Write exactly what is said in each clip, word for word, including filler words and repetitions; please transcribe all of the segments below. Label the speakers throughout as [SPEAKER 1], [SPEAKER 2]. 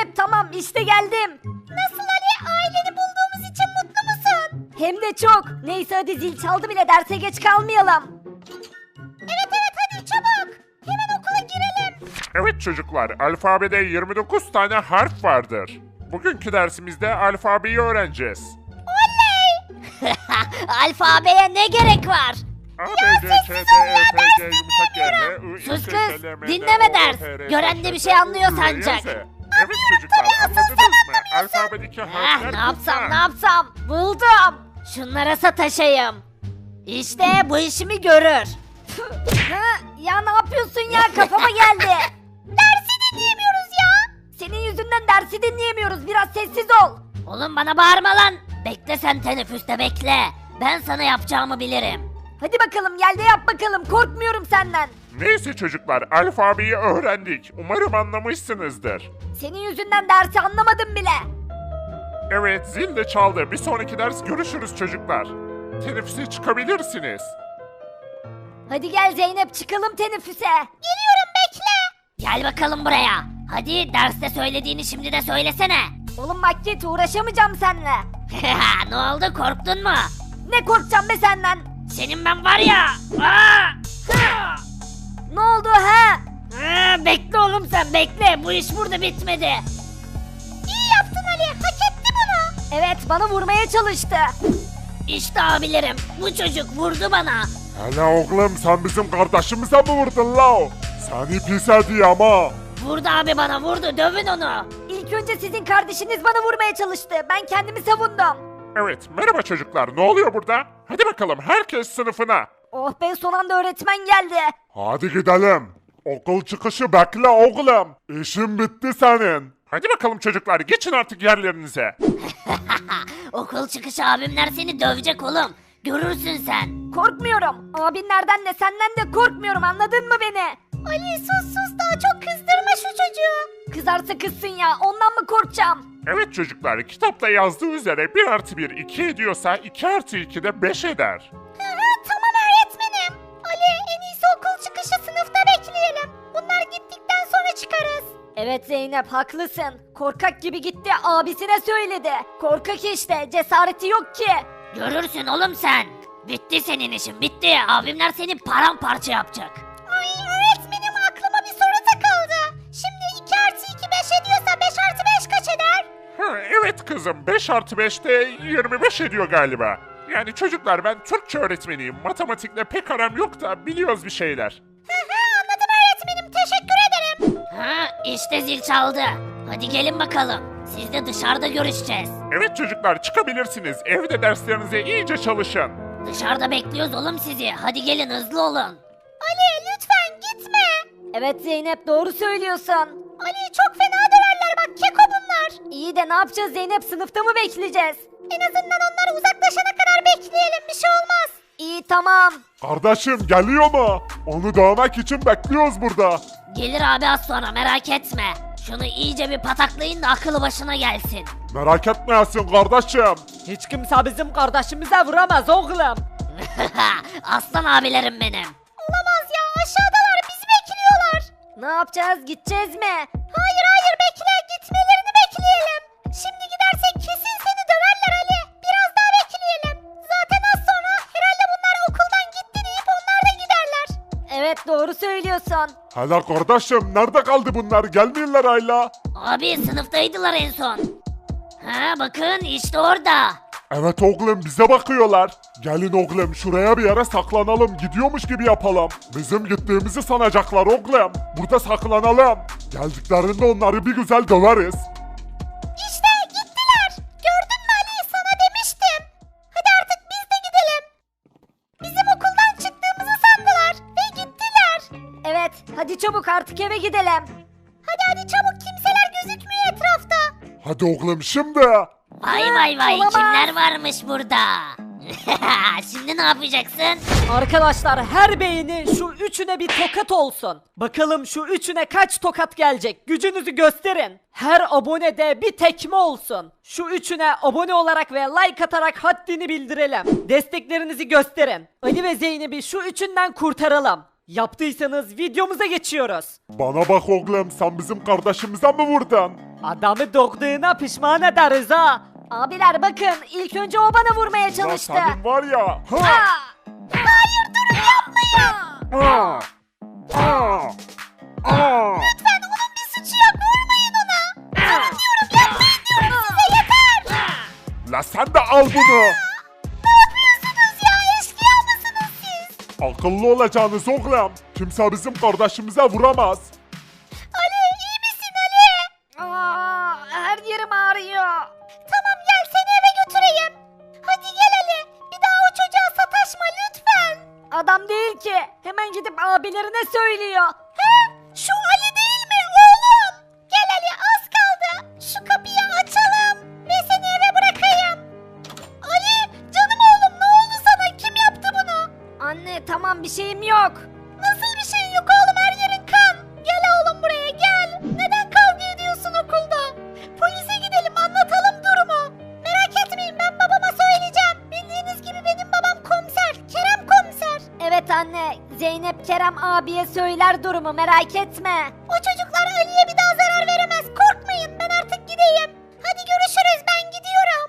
[SPEAKER 1] Zeynep tamam işte geldim. Nasıl Ali? Aileni bulduğumuz için mutlu musun? Hem de çok. Neyse hadi zil çaldı bile derse geç kalmayalım. Evet evet hadi çabuk. Hemen okula girelim.
[SPEAKER 2] Evet çocuklar, alfabede yirmi dokuz tane harf vardır. Bugünkü dersimizde alfabeyi öğreneceğiz.
[SPEAKER 1] Alfabeye ne gerek var?
[SPEAKER 2] A, B, C, Ç, D, E, F, G, yumuşak G, H, I, I,
[SPEAKER 1] Sus
[SPEAKER 2] K,
[SPEAKER 1] kız,
[SPEAKER 2] L, M, N,
[SPEAKER 1] dinleme
[SPEAKER 2] O,
[SPEAKER 1] ders.
[SPEAKER 2] P, R,
[SPEAKER 1] Gören de
[SPEAKER 2] S,
[SPEAKER 1] bir
[SPEAKER 2] T,
[SPEAKER 1] şey anlıyor
[SPEAKER 2] U, V,
[SPEAKER 1] sancak.
[SPEAKER 2] Y, Z. Evet çocuklar, anladınız mı? Alfabedeki
[SPEAKER 1] Ah,
[SPEAKER 2] harfler
[SPEAKER 1] ne yapsam
[SPEAKER 2] bunlar.
[SPEAKER 1] ne yapsam? Buldum. Şunlara sataşayım. İşte bu işimi görür. Ha, ya ne yapıyorsun ya kafama geldi. Dersi dinleyemiyoruz ya. Senin yüzünden dersi dinleyemiyoruz. Biraz sessiz ol. Oğlum bana bağırma lan. Bekle sen teneffüste bekle. Ben sana yapacağımı bilirim. Hadi bakalım gel de yap bakalım. Korkmuyorum senden.
[SPEAKER 2] Neyse çocuklar, alfabeyi öğrendik. Umarım anlamışsınızdır.
[SPEAKER 1] Senin yüzünden dersi anlamadım bile.
[SPEAKER 2] Evet, zil de çaldı. Bir sonraki ders görüşürüz çocuklar. Teneffüse çıkabilirsiniz.
[SPEAKER 1] Hadi gel Zeynep çıkalım teneffüse. Geliyorum bekle. Gel bakalım buraya. Hadi derste söylediğini şimdi de söylesene. Oğlum bak git uğraşamayacağım seninle. Ne oldu korktun mu? Ne korkacağım be senden? Senin ben var ya. Aa! Ne oldu ha? Aa, bekle oğlum sen bekle. Bu iş burada bitmedi. İyi yaptın Ali. Hak etti bunu. Evet bana vurmaya çalıştı. İşte abilerim. Bu çocuk vurdu bana.
[SPEAKER 2] Hele oğlum, sen bizim kardeşimize mi vurdun la? Seni pis hediye ama.
[SPEAKER 1] Vurdu abi bana vurdu. Dövün onu. İlk önce sizin kardeşiniz bana vurmaya çalıştı. Ben kendimi savundum.
[SPEAKER 2] Evet, merhaba çocuklar. Ne oluyor burada? Hadi bakalım, herkes sınıfına.
[SPEAKER 1] Oh be son anda öğretmen geldi.
[SPEAKER 2] Hadi gidelim. Okul çıkışı bekle oğlum. İşin bitti senin. Hadi bakalım çocuklar, geçin artık yerlerinize.
[SPEAKER 1] Okul çıkışı abimler seni dövecek oğlum. Görürsün sen. Korkmuyorum. Abinlerden de senden de korkmuyorum anladın mı beni? Ali sus sus daha çok kızdırma şu çocuğu. Kızarsa kızsın ya ondan mı korkacağım?
[SPEAKER 2] Evet çocuklar, kitapta yazdığı üzere bir artı bir iki ediyorsa iki artı iki de beş eder.
[SPEAKER 1] Tamam öğretmenim. Ali en iyisi okul çıkışı sınıfta bekleyelim. Bunlar gittikten sonra çıkarız. Evet Zeynep haklısın. Korkak gibi gitti abisine söyledi. Korkak işte cesareti yok ki. Görürsün oğlum sen. Bitti senin işin bitti. Abimler seni paramparça yapacak. Ay öğretmenim aklıma bir soru takıldı. Şimdi iki artı iki beş ediyorsa beş artı beş kaç eder?
[SPEAKER 2] Ha, evet kızım, beş artı beş de yirmi beş ediyor galiba. Yani çocuklar, ben Türkçe öğretmeniyim. Matematikle pek aram yok da biliyoruz bir şeyler.
[SPEAKER 1] Anladım öğretmenim teşekkür ederim. Ha işte zil çaldı. Hadi gelin bakalım. Siz de dışarıda görüşeceğiz.
[SPEAKER 2] Evet çocuklar, çıkabilirsiniz. Evde derslerinize iyice çalışın.
[SPEAKER 1] Dışarıda bekliyoruz oğlum sizi. Hadi gelin hızlı olun. Ali lütfen gitme. Evet Zeynep doğru söylüyorsun. Ali çok fena döverler bak keko bunlar. İyi de ne yapacağız Zeynep sınıfta mı bekleyeceğiz? En azından onlar uzaklaşana kadar bekleyelim bir şey olmaz. İyi tamam.
[SPEAKER 2] Kardeşim geliyor mu? Onu dövmek için bekliyoruz burada.
[SPEAKER 1] Gelir abi az sonra merak etme. Şunu iyice bir pataklayın da akıllı başına gelsin.
[SPEAKER 2] Merak etmeyesin kardeşim.
[SPEAKER 3] Hiç kimse bizim kardeşimize vuramaz oğlum.
[SPEAKER 1] Aslan abilerim benim. Olamaz ya aşağıdalar bizi bekliyorlar. Ne yapacağız gideceğiz mi? Hayır hayır bekle gitmelerini bekleyelim. Şimdi gidersek kesin seni döverler Ali. Biraz daha bekleyelim. Zaten az sonra herhalde bunlar okuldan gitti deyip onlar da giderler. Evet doğru söylüyorsun.
[SPEAKER 2] Hala kardeşim, nerede kaldı bunlar? Gelmiyorlar hala.
[SPEAKER 1] Abi sınıftaydılar en son. Ha bakın işte orada.
[SPEAKER 2] Evet oğlum, bize bakıyorlar. Gelin oğlum, şuraya bir yere saklanalım. Gidiyormuş gibi yapalım. Bizim gittiğimizi sanacaklar oğlum. Burada saklanalım. Geldiklerinde onları bir güzel döveriz.
[SPEAKER 1] İşte gittiler. Gördün mü Ali sana demiştim. Hadi artık biz de gidelim. Bizim okuldan çıktığımızı sandılar ve gittiler. Evet hadi çabuk artık eve gidelim. Hadi hadi çabuk kimseler gözükmüyor etrafta.
[SPEAKER 2] Hadi oğlum şimdi.
[SPEAKER 1] Vay vay vay kimler varmış burada. Şimdi ne yapacaksın?
[SPEAKER 3] Arkadaşlar her beğeni şu üçüne bir tokat olsun. Bakalım şu üçüne kaç tokat gelecek? Gücünüzü gösterin. Her abone de bir tekme olsun. Şu üçüne abone olarak ve like atarak haddini bildirelim. Desteklerinizi gösterin. Ali ve Zeynep'i şu üçünden kurtaralım. Yaptıysanız videomuza geçiyoruz.
[SPEAKER 2] Bana bak oğlum, sen bizim kardeşimize mi vurdun?
[SPEAKER 3] Adamı dokduğuna pişman ederiz ha. Abiler bakın ilk önce o bana vurmaya
[SPEAKER 2] Ya
[SPEAKER 3] çalıştı.
[SPEAKER 2] senin var ya. Ha!
[SPEAKER 1] Aa! Hayır durun yapmayın.
[SPEAKER 2] Aa! Aa! Aa!
[SPEAKER 1] Lütfen onun bir suçu yok vurmayın ona. Durun diyorum yapmayın diyorum size yeter.
[SPEAKER 2] La sen de al bunu.
[SPEAKER 1] Ne yapıyorsunuz ya eşkıya mısınız siz?
[SPEAKER 2] Akıllı olacaksınız oğlum. Kimse bizim kardeşimize vuramaz.
[SPEAKER 1] Ali iyi misin Ali? Aa, her yerim ağrıyor. Tamam gel seni eve götüreyim. Hadi gel Ali. Bir daha o çocuğa sataşma lütfen. Adam değil ki. Hemen gidip abilerine söylüyor. He? Şu Ali değil mi oğlum? Gel Ali az kaldı. Şu kapıyı açalım. Ve seni eve bırakayım. Ali canım oğlum ne oldu sana? Kim yaptı bunu? Anne tamam bir şeyim yok. Nasıl bir şeyin yok oğlum her yerin kan. Gel oğlum buraya gel. Neden kavga ediyorsun okulda? Polise gidelim anlatalım durumu. Merak etmeyin ben babama söyleyeceğim. Bildiğiniz gibi benim babam komiser. Kerem komiser. Evet anne. Zeynep Kerem abiye söyler durumu merak etme. O çocuklar Ali'ye bir daha zarar veremez. Korkmayın ben artık gideyim. Hadi görüşürüz ben gidiyorum.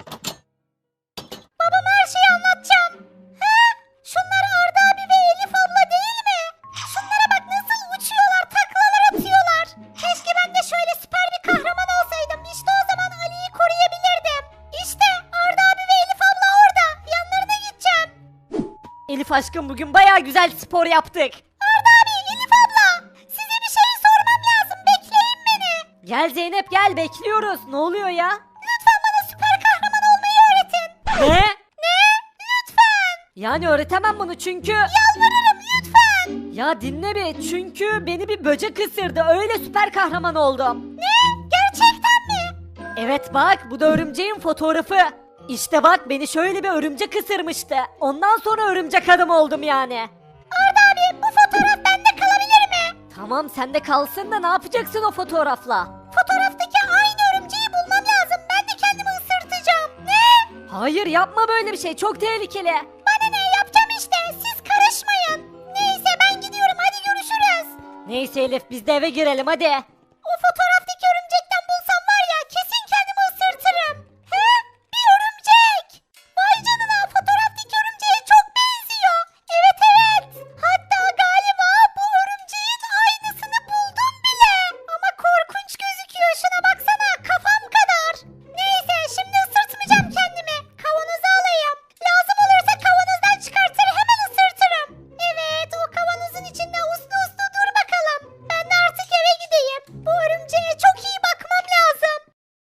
[SPEAKER 1] Babama her şeyi anlatacağım. He? Şunlar Arda abi ve Elif abla değil mi? Şunlara bak nasıl uçuyorlar, taklalar atıyorlar. Keşke ben de şöyle süper bir kahraman olsaydım. İşte o zaman Ali'yi koruyabilirdim. İşte Arda abi ve Elif abla orada. Yanlarına gideceğim.
[SPEAKER 3] Elif aşkım bugün baya güzel spor yaptık.
[SPEAKER 1] Arda abi, Elif abla. Size bir şey sormam lazım. Bekleyin beni.
[SPEAKER 3] Gel Zeynep gel bekliyoruz. Ne oluyor ya?
[SPEAKER 1] Lütfen bana süper kahraman olmayı öğretin.
[SPEAKER 3] Ne?
[SPEAKER 1] Ne? Lütfen.
[SPEAKER 3] Yani öğretemem bunu çünkü...
[SPEAKER 1] Yalvarırım lütfen.
[SPEAKER 3] Ya dinle bir çünkü beni bir böcek ısırdı öyle süper kahraman oldum.
[SPEAKER 1] Ne? Gerçekten mi?
[SPEAKER 3] Evet bak bu da örümceğin fotoğrafı. İşte bak beni şöyle bir örümcek ısırmıştı. Ondan sonra örümcek adam oldum yani.
[SPEAKER 1] Arda abi bu fotoğraf bende kalabilir mi?
[SPEAKER 3] Tamam sende kalsın da ne yapacaksın o fotoğrafla?
[SPEAKER 1] Fotoğraftaki aynı örümceği bulmam lazım. Ben de kendimi ısırtacağım. Ne?
[SPEAKER 3] Hayır yapma böyle bir şey çok tehlikeli.
[SPEAKER 1] Bana ne yapacağım işte. Siz karışmayın. Neyse ben gidiyorum. Hadi görüşürüz.
[SPEAKER 3] Neyse Elif biz de eve girelim hadi.
[SPEAKER 1] O fotoğraftaki örümcekten bulsam var ya kesin kendimi ısırtırım. He? Bir örümcek. Vay canına fotoğraftaki örümceğe çok benziyor. Evet evet. Hatta galiba bu örümceğin aynısını buldum bile. Ama korkunç gözüküyor. Şuna baksana kafam kadar. Neyse şimdi ısırtmayacağım kendimi. Kavanoza alayım. Lazım olursa kavanozdan çıkartır hemen ısırtırım. Evet o kavanozun içinde uslu uslu dur bakalım. Ben de artık eve gideyim. Bu örümceğe çok iyi bakmam lazım.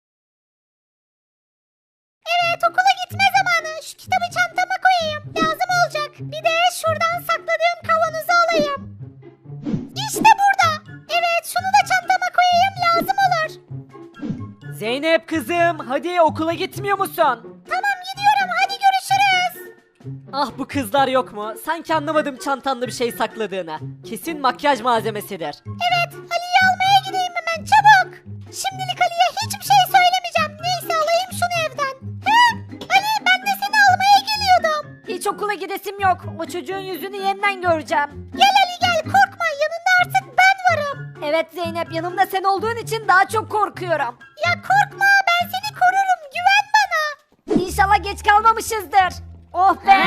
[SPEAKER 1] Evet okula gitme zamanı. Şu kitabı çantama koyayım. Lazım olacak. Bir de şuradan sakladığım kavanozu alayım. İşte burada. Evet şunu da çantama koyayım lazım olur.
[SPEAKER 3] Zeynep kızım hadi okula gitmiyor musun?
[SPEAKER 1] Tamam gidiyorum hadi görüşürüz.
[SPEAKER 3] Ah bu kızlar yok mu? Sanki anlamadım çantanda bir şey sakladığını. Kesin makyaj malzemesidir.
[SPEAKER 1] Evet Ali'yi almaya gideyim hemen çabuk. Şimdilik Ali'ye hiçbir şey söylemeyeceğim. Neyse alayım şunu evden. He? Ali ben de seni almaya geliyordum.
[SPEAKER 3] Hiç okula gidesim yok. O çocuğun yüzünü yeniden göreceğim.
[SPEAKER 1] Gel Ali gel korkma yanında artık ben varım.
[SPEAKER 3] Evet Zeynep yanımda sen olduğun için daha çok korkuyorum.
[SPEAKER 1] Ya korkma ben seni korurum güven bana.
[SPEAKER 3] İnşallah geç kalmamışızdır. Oh be.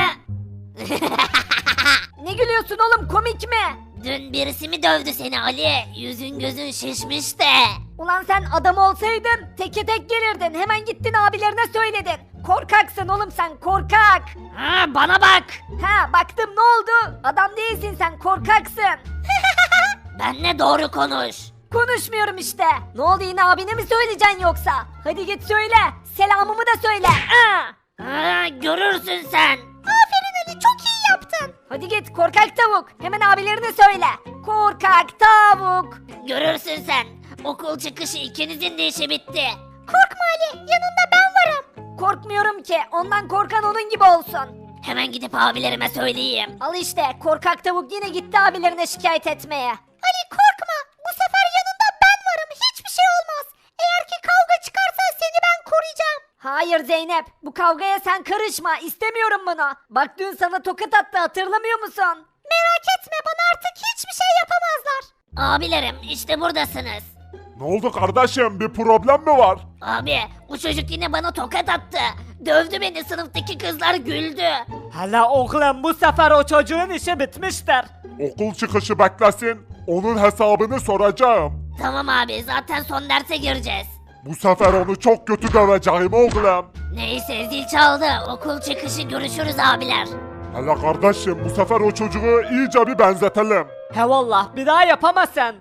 [SPEAKER 3] Ne gülüyorsun oğlum komik mi?
[SPEAKER 1] Dün birisi mi dövdü seni Ali? Yüzün gözün şişmiş de.
[SPEAKER 3] Ulan sen adam olsaydın teke tek gelirdin. Hemen gittin abilerine söyledin. Korkaksın oğlum sen korkak.
[SPEAKER 1] Ha bana bak.
[SPEAKER 3] Ha baktım ne oldu? Adam değilsin sen korkaksın.
[SPEAKER 1] Benle doğru konuş.
[SPEAKER 3] Konuşmuyorum işte. Ne oldu yine abine mi söyleyeceksin yoksa? Hadi git söyle. Selamımı da söyle. Aa!
[SPEAKER 1] Ha görürsün sen. Aferin Ali çok iyi yaptın.
[SPEAKER 3] Hadi git korkak tavuk. Hemen abilerine söyle. Korkak tavuk.
[SPEAKER 1] Görürsün sen. Okul çıkışı ikinizin de işi bitti. Korkma Ali yanında ben varım.
[SPEAKER 3] Korkmuyorum ki. Ondan korkan onun gibi olsun.
[SPEAKER 1] Hemen gidip abilerime söyleyeyim.
[SPEAKER 3] Al işte korkak tavuk yine gitti abilerine şikayet etmeye.
[SPEAKER 1] Ali korkma. Bu sefer yanında ben varım. Hiçbir şey olmaz. Eğer ki kavga çıkarsa seni ben koruyacağım.
[SPEAKER 3] Hayır Zeynep bu kavgaya sen karışma istemiyorum bunu. Bak dün sana tokat attı hatırlamıyor musun?
[SPEAKER 1] Merak etme bana artık hiçbir şey yapamazlar. Abilerim işte buradasınız.
[SPEAKER 2] Ne oldu kardeşim, bir problem mi var?
[SPEAKER 1] Abi bu çocuk yine bana tokat attı. Dövdü beni, sınıftaki kızlar güldü.
[SPEAKER 3] Hala oğlum bu sefer o çocuğun işi bitmiştir.
[SPEAKER 2] Okul çıkışı beklesin, onun hesabını soracağım.
[SPEAKER 1] Tamam abi, zaten son derse gireceğiz.
[SPEAKER 2] Bu sefer onu çok kötü döveceğim oğlum.
[SPEAKER 1] Neyse, zil çaldı. Okul çıkışı görüşürüz abiler.
[SPEAKER 2] Hele kardeşim, bu sefer o çocuğu iyice bir benzetelim.
[SPEAKER 3] He vallah bir daha yapamazsın.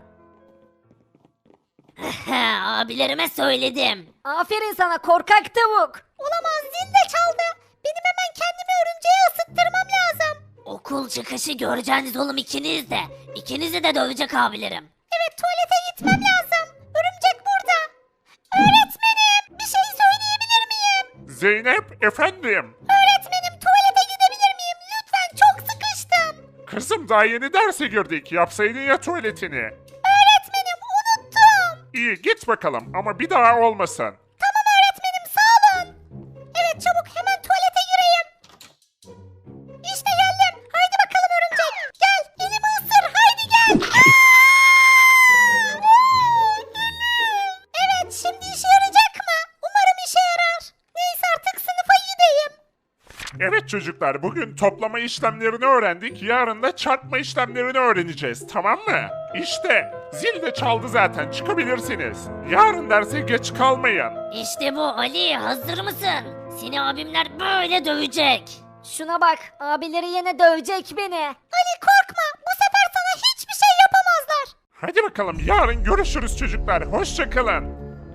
[SPEAKER 1] Abilerime söyledim.
[SPEAKER 3] Aferin sana korkak tavuk.
[SPEAKER 1] Olamaz, zil de çaldı. Benim hemen kendimi örümceğe ısıttırmam lazım. Okul çıkışı göreceğiniz oğlum ikiniz de. İkinizi de dövecek abilerim. Evet, tuvalete gitmem lazım. Örümcek burada. Öğretmenim, bir şey söyleyebilir miyim?
[SPEAKER 2] Zeynep, efendim.
[SPEAKER 1] Öğretmenim, tuvalete gidebilir miyim? Lütfen, çok sıkıştım.
[SPEAKER 2] Kızım daha yeni derse girdik, yapsaydın ya tuvaletini.
[SPEAKER 1] Öğretmenim, unuttum.
[SPEAKER 2] İyi, git bakalım ama bir daha olmasın.
[SPEAKER 1] Tamam öğretmenim, sağ olun. Evet, çabuk hemen tuvalete gireyim. İşte geldim. Haydi bakalım örümcek. Gel, elimi ısır. Haydi gel. Evet, şimdi işe yarayacak mı? Umarım işe yarar. Neyse, artık sınıfa gideyim.
[SPEAKER 2] Evet çocuklar, bugün toplama işlemlerini öğrendik, yarın da çarpma işlemlerini öğreneceğiz, tamam mı? İşte, zil de çaldı zaten, çıkabilirsiniz. Yarın derse geç kalmayın.
[SPEAKER 1] İşte bu Ali, hazır mısın? Seni abimler böyle dövecek. Şuna bak, abileri yine dövecek beni. Ali korkma, bu sefer sana hiçbir şey yapamazlar.
[SPEAKER 2] Hadi bakalım, yarın görüşürüz çocuklar, hoşça kalın.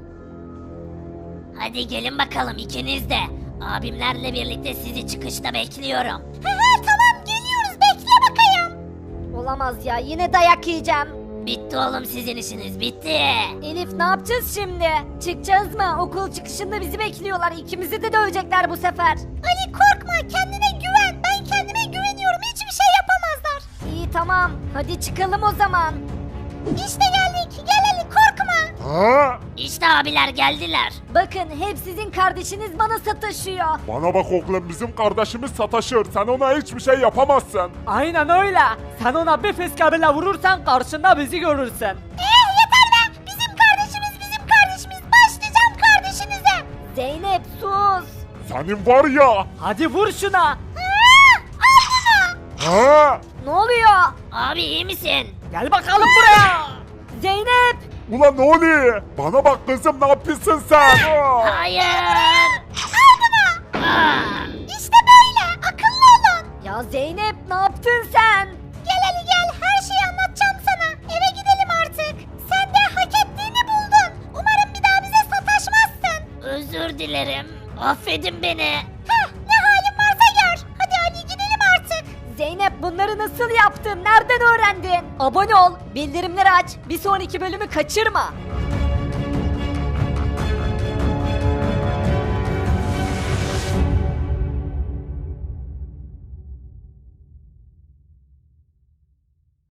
[SPEAKER 1] Hadi gelin bakalım ikiniz de. Abimlerle birlikte sizi çıkışta bekliyorum. He he, tamam, geliyoruz, bekle bakayım. Olamaz ya, yine dayak yiyeceğim. Bitti oğlum sizin işiniz, bitti. Elif, ne yapacağız şimdi? Çıkacağız mı? Okul çıkışında bizi bekliyorlar. İkimizi de dövecekler bu sefer. Ali korkma, kendine güven. Ben kendime güveniyorum, hiçbir şey yapamazlar. İyi tamam, hadi çıkalım o zaman. İşte geldik, gel Ali, korkma.
[SPEAKER 2] Ha?
[SPEAKER 1] İşte abiler geldiler. Bakın, hep sizin kardeşiniz bana sataşıyor.
[SPEAKER 2] Bana bak oğlum, bizim kardeşimiz sataşır, sen ona hiçbir şey yapamazsın.
[SPEAKER 3] Aynen öyle. Sen ona bir fiskabıyla vurursan karşında bizi görürsün.
[SPEAKER 1] Eh, yeter be! Bizim kardeşimiz, bizim kardeşimiz. Başlayacağım kardeşinize. Zeynep, sus.
[SPEAKER 2] Senin var ya.
[SPEAKER 3] Hadi vur şuna.
[SPEAKER 1] Aa, al bunu.
[SPEAKER 2] Ha?
[SPEAKER 1] Ne oluyor? Abi iyi misin?
[SPEAKER 3] Gel bakalım buraya.
[SPEAKER 1] Zeynep.
[SPEAKER 2] Ulan ne oluyor? Bana bak kızım, ne yapıyorsun sen? Aa!
[SPEAKER 1] Hayır. Al bunu. Aa. İşte böyle. Akıllı olun. Ya Zeynep, ne yaptın sen? Gel Ali gel. Her şeyi anlatacağım sana. Eve gidelim artık. Sen de hak ettiğini buldun. Umarım bir daha bize sataşmazsın. Özür dilerim. Affedin beni. Heh, ne halin varsa gör. Hadi Ali gidelim artık. Zeynep, bunları nasıl yaptın? Nereden öğrendin? Abone ol, bildirimleri aç. Bir sonraki bölümü kaçırma.